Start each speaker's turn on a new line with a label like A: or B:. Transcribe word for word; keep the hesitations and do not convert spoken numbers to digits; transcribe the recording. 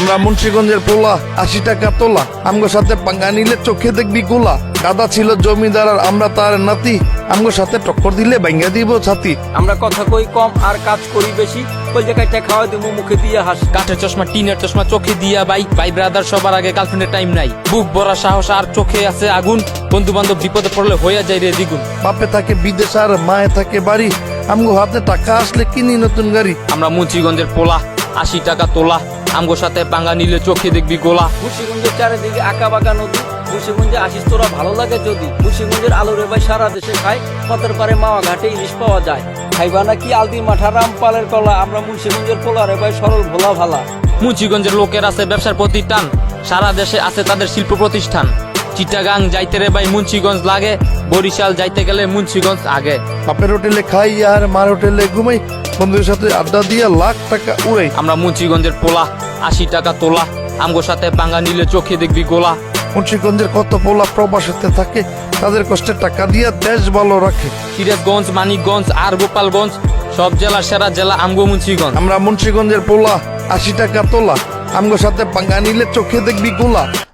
A: আমরা মুন্সিগঞ্জের পোলা, আশি টাকা তোলা, আমগো সাথে পাঙ্গা নিলে চোখে দেখবি গোলা। দাদা ছিল জমিদার আর আমরা তার নাতি, আমগো সাথে টক্কর দিলে ভাঙ্গা দিব ছাতি।
B: আমরা কথা কই কম আর কাজ করি বেশি, কই জায়গায় খাওয়া দিব মুখে দিয়ে হাস।
C: কাঠের চশমা টিনের চশমা চোখে দিয়া বাই ভাই ব্রাদার সবার আগে গার্লফ্রেন্ডের টাইম নাই। বুক ভরা সাহস আর চোখে আছে আগুন, বন্ধু বান্ধব বিপদে পড়লে হইয়া যায় রে দ্বিগুণ।
A: বাপে থাকে বিদেশ আর মায়ে থাকে বাড়ি, আমগো হাতে টাকা আসলে কিনি নতুন গাড়ি।
C: আমরা মুন্সিগঞ্জের পোলা, আশি টাকা তোলা, আমগো সাথে পাঙ্গা নিলে চোখে দেখবি গোলা।
B: মুন্সিগঞ্জের চারিদিকে আঁকা বাঁকা নদী, মুন্সিগঞ্জে আসিস তোরা ভালো লাগে যদি। মুন্সিগঞ্জের আলুরে ভাই সারা দেশে খায়, পথের পারে মাওয়া ঘাটে ইলিশ পাওয়া যায়। খাইবা নাকি আলদি মাঠা রামপালের কলা, আমরা মুন্সিগঞ্জের পোলারে ভাই সরল ভোলা ভালা।
C: মুন্সিগঞ্জের লোকের আছে ব্যবসার প্রতি টান, সারা দেশে আছে তাদের শিল্প প্রতিষ্ঠান। চিটাগাং যাইতে রে ভাই মুন্সিগঞ্জ লাগে, বরিশাল যাইতে গেলে মুন্সিগঞ্জ আগে।
A: বাপের হোটেলে খাই আর মার হোটেলে ঘুমাই, বন্ধুদের সাথে আড্ডা দিয়ে লাখ টাকা উড়াই।
C: আমরা মুন্সিগঞ্জের পোলা, আশি টাকা তোলা, আমগো সাথে পাঙ্গা নিলে চোখে দেখবি গোলা।
A: মুন্সিগঞ্জের কত পোলা প্রবাসেতে থাকে, তাদের কষ্টের টাকা দিয়ে দেশ ভালো রাখে।
C: সিরাজগঞ্জ, মানিকগঞ্জ আর গোপালগঞ্জ, সব জেলার সেরা জেলা আমগো মুন্সিগঞ্জ।
A: আমরা মুন্সিগঞ্জের পোলা, আশি টাকা তোলা, আমগো সাথে পাঙ্গা নিলে চোখে দেখবি গোলা।